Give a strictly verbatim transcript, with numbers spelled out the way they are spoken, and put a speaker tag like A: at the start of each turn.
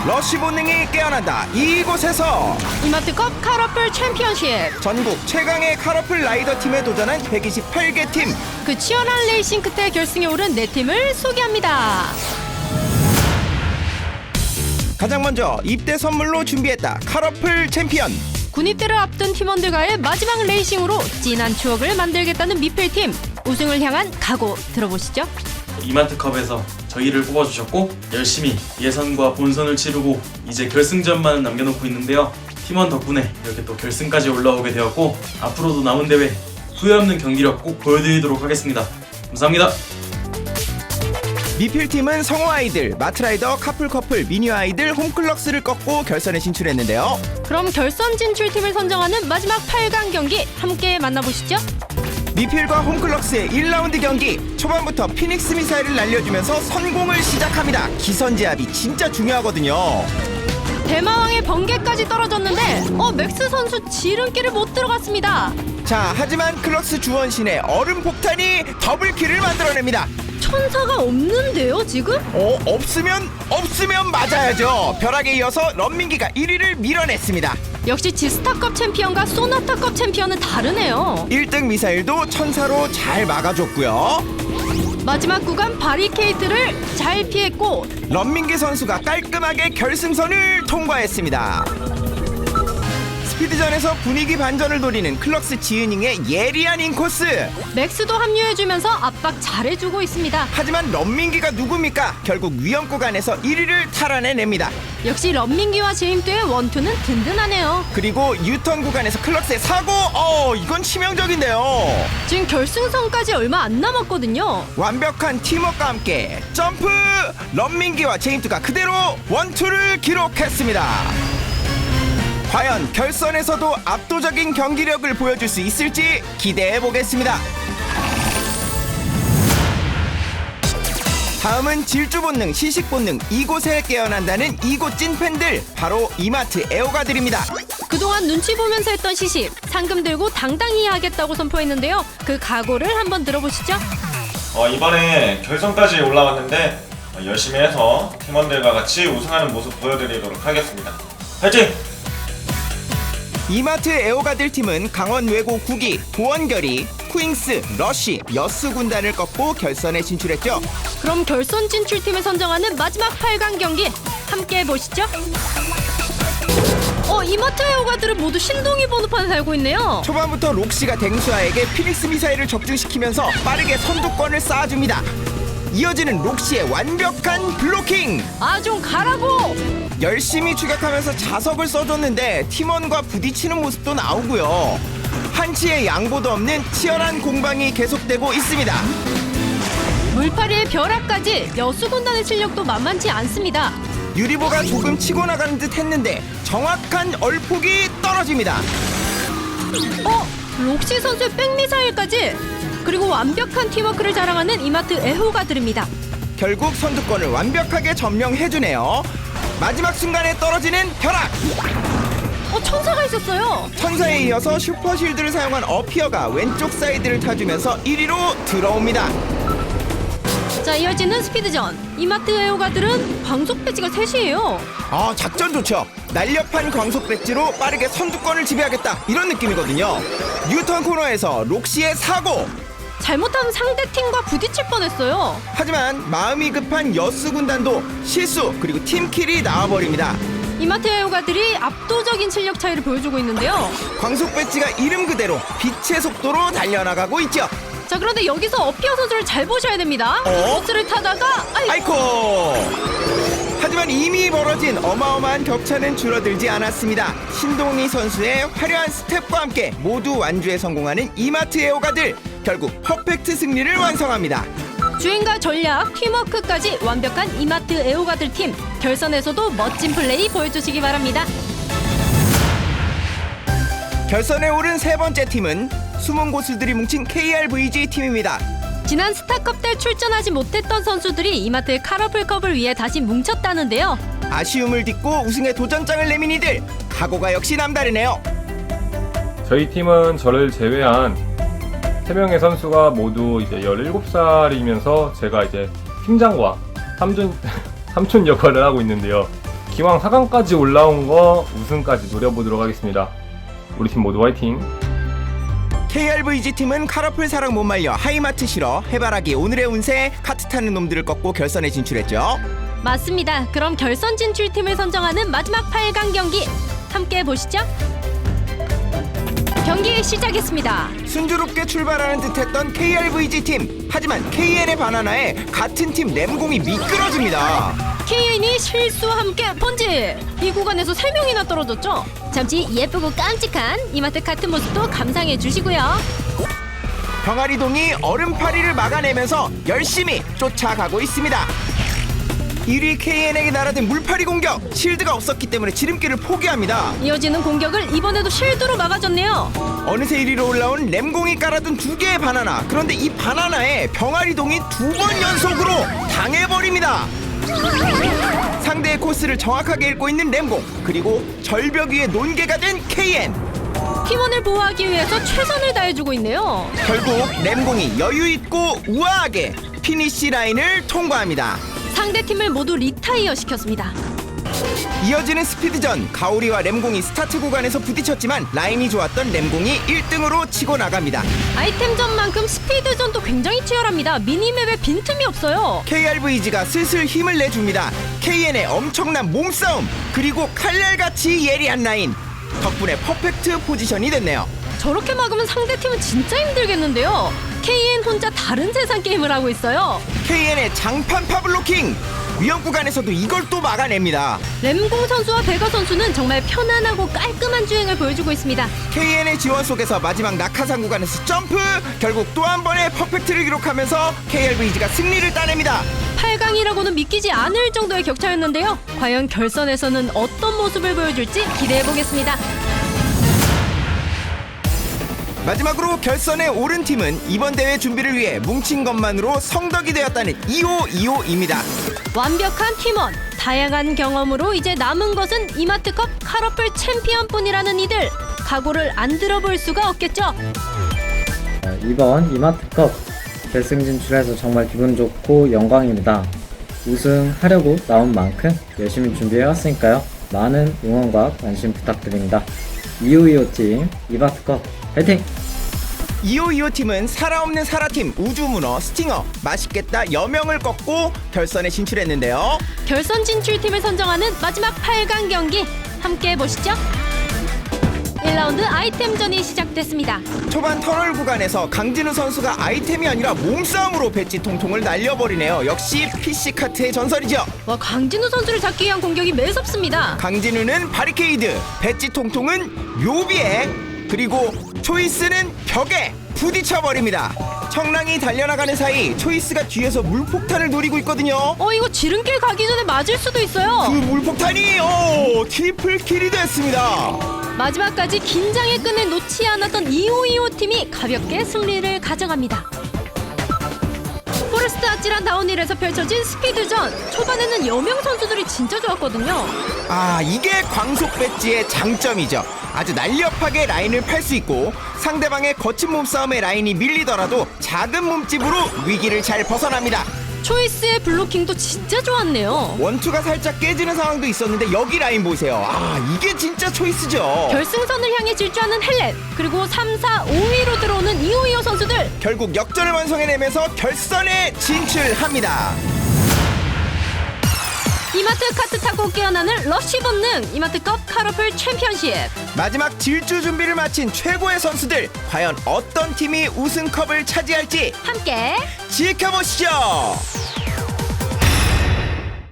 A: 러쉬 본능이 깨어난다. 이곳에서
B: 이마트컵 카러플 챔피언십.
A: 전국 최강의 카러플 라이더 팀에 도전한 백이십팔 개 팀.
B: 그 치열한 레이싱 끝에 결승에 오른 네 팀을 소개합니다.
A: 가장 먼저 입대 선물로 준비했다. 카러플 챔피언.
B: 군입대를 앞둔 팀원들과의 마지막 레이싱으로 진한 추억을 만들겠다는 미필팀. 우승을 향한 각오 들어보시죠.
C: 이마트컵에서 저희를 뽑아주셨고 열심히 예선과 본선을 치르고 이제 결승전만 남겨놓고 있는데요. 팀원 덕분에 이렇게 또 결승까지 올라오게 되었고 앞으로도 남은 대회 후회 없는 경기력 꼭 보여드리도록 하겠습니다. 감사합니다.
A: 미필팀은 성호 아이들, 마트라이더, 카풀 커플, 미니어 아이들, 홈클럭스를 꺾고 결선에 진출했는데요.
B: 그럼 결선 진출팀을 선정하는 마지막 팔 강 경기 함께 만나보시죠.
A: 미필과 홈클럭스의 일 라운드 경기. 초반부터 피닉스 미사일을 날려주면서 선공을 시작합니다. 기선제압이 진짜 중요하거든요.
B: 대마왕의 번개까지 떨어졌는데 어 맥스 선수 지름길을 못 들어갔습니다.
A: 자, 하지만 클럭스 주원신의 얼음 폭탄이 더블킬을 만들어냅니다.
B: 천사가 없는데요 지금?
A: 어, 없으면 없으면 맞아야죠. 벼락에 이어서 런민기가 일 위를 밀어냈습니다.
B: 역시 지스타컵 챔피언과 소나타컵 챔피언은 다르네요.
A: 일 등 미사일도 천사로 잘 막아줬고요.
B: 마지막 구간 바리케이트를 잘 피했고
A: 런민기 선수가 깔끔하게 결승선을 통과했습니다. 스피드전에서 분위기 반전을 노리는 클럭스 지은잉의 예리한 인코스.
B: 맥스도 합류해주면서 압박 잘해주고 있습니다.
A: 하지만 런민기가 누굽니까? 결국 위험 구간에서 일 위를 탈환해냅니다.
B: 역시 런민기와 제임도의 원투는 든든하네요.
A: 그리고 유턴 구간에서 클럭스의 사고. 어, 이건 치명적인데요.
B: 지금 결승선까지 얼마 안 남았거든요.
A: 완벽한 팀워크와 함께 점프. 런민기와 제임스가 그대로 원투를 기록했습니다. 과연 결선에서도 압도적인 경기력을 보여줄 수 있을지 기대해보겠습니다. 다음은 질주본능, 시식본능, 이곳에 깨어난다는 이곳 찐팬들, 바로 이마트 애호가들입니다.
B: 그동안 눈치 보면서 했던 시식, 상금 들고 당당히 하겠다고 선포했는데요. 그 각오를 한번 들어보시죠.
D: 어, 이번에 결선까지 올라왔는데 어, 열심히 해서 팀원들과 같이 우승하는 모습 보여드리도록 하겠습니다. 파이팅!
A: 이마트 애호가들 팀은 강원 외고 구기, 도원결이, 쿠잉스, 러쉬, 여스 군단을 꺾고 결선에 진출했죠.
B: 그럼 결선 진출팀을 선정하는 마지막 팔 강 경기 함께 보시죠. 어, 이마트 애호가들은 모두 신동이 번호판을 달고 있네요.
A: 초반부터 록시가 댕수아에게 피닉스 미사일을 적중시키면서 빠르게 선두권을 쌓아줍니다. 이어지는 록시의 완벽한 블로킹.
B: 아, 좀 가라고.
A: 열심히 추격하면서 자석을 써줬는데 팀원과 부딪히는 모습도 나오고요. 한치의 양보도 없는 치열한 공방이 계속되고 있습니다.
B: 물파리의 벼락까지 여수군단의 실력도 만만치 않습니다.
A: 유리보가 조금 치고 나가는 듯 했는데 정확한 얼폭이 떨어집니다.
B: 어? 록시 선수의 백미사일까지. 그리고 완벽한 팀워크를 자랑하는 이마트 애호가들입니다.
A: 결국 선두권을 완벽하게 점령해주네요. 마지막 순간에 떨어지는 벼락.
B: 어, 천사가 있었어요.
A: 천사에 이어서 슈퍼실드를 사용한 어피어가 왼쪽 사이드를 타주면서 일 위로 들어옵니다.
B: 자, 이어지는 스피드전. 이마트 애호가들은 광속 배지가 셋이에요.
A: 아, 작전 좋죠. 날렵한 광속 배지로 빠르게 선두권을 지배하겠다, 이런 느낌이거든요. 뉴턴 코너에서 록시의 사고.
B: 잘못하면 상대팀과 부딪힐 뻔했어요.
A: 하지만 마음이 급한 여스 군단도 실수, 그리고 팀킬이 나와버립니다.
B: 이마트 애호가들이 압도적인 실력 차이를 보여주고 있는데요.
A: 광속 배지가 이름 그대로 빛의 속도로 달려나가고 있죠.
B: 자, 그런데 여기서 어피어 선수를 잘 보셔야 됩니다.
A: 어?
B: 버스를 타다가 아이,
A: 아이코. 하지만 이미 벌어진 어마어마한 격차는 줄어들지 않았습니다. 신동희 선수의 화려한 스텝과 함께 모두 완주에 성공하는 이마트 애호가들, 결국 퍼펙트 승리를 완성합니다.
B: 주행과 전략, 팀워크까지 완벽한 이마트 애호가들 팀. 결선에서도 멋진 플레이 보여주시기 바랍니다.
A: 결선에 오른 세 번째 팀은 숨은 고수들이 뭉친 케이알브이지 팀입니다.
B: 지난 스타컵 때 출전하지 못했던 선수들이 이마트 카러플컵을 위해 다시 뭉쳤다는데요.
A: 아쉬움을 딛고 우승의 도전장을 내민 이들, 각오가 역시 남다르네요.
E: 저희 팀은 저를 제외한 세 명의 선수가 모두 이제 열일곱 살이면서 제가 이제 팀장과 삼촌, 삼촌 역할을 하고 있는데요. 기왕 사 강까지 올라온 거 우승까지 노려보도록 하겠습니다. 우리 팀 모두 화이팅!
A: 케이알브이지 팀은 카라풀 사랑 못 말려, 하이마트 싫어, 해바라기, 오늘의 운세, 카트 타는 놈들을 꺾고 결선에 진출했죠.
B: 맞습니다. 그럼 결선 진출팀을 선정하는 마지막 팔 강 경기 함께 보시죠. 경기 시작했습니다.
A: 순조롭게 출발하는 듯했던 케이알브이지 팀. 하지만 케이엔의 바나나에 같은 팀 램공이 미끄러집니다.
B: 케이엔이 실수와 함께 번지! 이 구간에서 세 명이나 떨어졌죠? 잠시 예쁘고 깜찍한 이마트 카트 모습도 감상해 주시고요.
A: 병아리동이 얼음파리를 막아내면서 열심히 쫓아가고 있습니다. 일 위 케이엔에게 날아든 물파리 공격. 실드가 없었기 때문에 지름길을 포기합니다.
B: 이어지는 공격을 이번에도 실드로 막아줬네요.
A: 어느새 일 위로 올라온 램공이 깔아둔 두 개의 바나나. 그런데 이 바나나에 병아리동이 두 번 연속으로 당해버립니다. 상대의 코스를 정확하게 읽고 있는 램공, 그리고 절벽 위에 논개가 된 케이엔.
B: 팀원을 보호하기 위해서 최선을 다해주고 있네요.
A: 결국 램공이 여유있고 우아하게 피니시 라인을 통과합니다.
B: 상대팀을 모두 리타이어 시켰습니다.
A: 이어지는 스피드전. 가오리와 램공이 스타트 구간에서 부딪혔지만 라인이 좋았던 램공이 일 등으로 치고 나갑니다.
B: 아이템전만큼 스피드전도 굉장히 치열합니다. 미니맵에 빈틈이 없어요.
A: 케이알브이지가 슬슬 힘을 내줍니다. 케이엔의 엄청난 몸싸움, 그리고 칼날같이 예리한 라인 덕분에 퍼펙트 포지션이 됐네요.
B: 저렇게 막으면 상대팀은 진짜 힘들겠는데요. 케이엔 혼자 다른 세상 게임을 하고 있어요.
A: 케이엔의 장판 파블로킹, 위험 구간에서도 이걸 또 막아냅니다.
B: 램공 선수와 베가 선수는 정말 편안하고 깔끔한 주행을 보여주고 있습니다.
A: 케이엔의 지원 속에서 마지막 낙하산 구간에서 점프, 결국 또 한 번의 퍼펙트를 기록하면서 케이알브이지가 승리를 따냅니다.
B: 팔 강이라고는 믿기지 않을 정도의 격차였는데요. 과연 결선에서는 어떤 모습을 보여줄지 기대해보겠습니다.
A: 마지막으로 결선에 오른 팀은 이번 대회 준비를 위해 뭉친 것만으로 성덕이 되었다는 이오이오입니다.
B: 완벽한 팀원, 다양한 경험으로 이제 남은 것은 이마트컵 카러플 챔피언뿐이라는 이들. 각오를 안 들어볼 수가 없겠죠.
F: 이번 이마트컵 결승 진출해서 정말 기분 좋고 영광입니다. 우승하려고 나온 만큼 열심히 준비해왔으니까요. 많은 응원과 관심 부탁드립니다. 이오이오 팀 이마트컵 화이팅!
A: 이오이오 팀은 살아없는 사라팀 우주문어, 스팅어, 맛있겠다 여명을 꺾고 결선에 진출했는데요.
B: 결선 진출팀을 선정하는 마지막 팔 강 경기 함께 보시죠. 일 라운드 아이템전이 시작됐습니다.
A: 초반 터널 구간에서 강진우 선수가 아이템이 아니라 몸싸움으로 배지 통통을 날려버리네요. 역시 피씨카트의 전설이죠.
B: 와, 강진우 선수를 잡기 위한 공격이 매섭습니다.
A: 강진우는 바리케이드, 배지 통통은 묘비에, 그리고 초이스는 벽에 부딪혀버립니다. 청랑이 달려나가는 사이 초이스가 뒤에서 물폭탄을 노리고 있거든요.
B: 어, 이거 지름길 가기 전에 맞을 수도 있어요.
A: 그 물폭탄이 오 트리플 킬이 됐습니다.
B: 마지막까지 긴장의 끈을 놓지 않았던 이오이오 팀이 가볍게 승리를 가져갑니다. 포레스트 아찔한 다운힐에서 펼쳐진 스피드전. 초반에는 여명 선수들이 진짜 좋았거든요.
A: 아, 이게 광속 배지의 장점이죠. 아주 날렵하게 라인을 팔 수 있고 상대방의 거친 몸싸움에 라인이 밀리더라도 작은 몸집으로 위기를 잘 벗어납니다.
B: 초이스의 블로킹도 진짜 좋았네요.
A: 원투가 살짝 깨지는 상황도 있었는데 여기 라인 보세요. 아, 이게 진짜 초이스죠.
B: 결승선을 향해 질주하는 헬렌, 그리고 삼, 사, 오 위로 들어오는 이오이오 선수들.
A: 결국 역전을 완성해내면서 결선에 진출합니다.
B: 이마트 카트 타고 깨어나는 러쉬 본능, 이마트컵 카러플 챔피언십.
A: 마지막 질주 준비를 마친 최고의 선수들, 과연 어떤 팀이 우승컵을 차지할지
B: 함께
A: 지켜보시죠.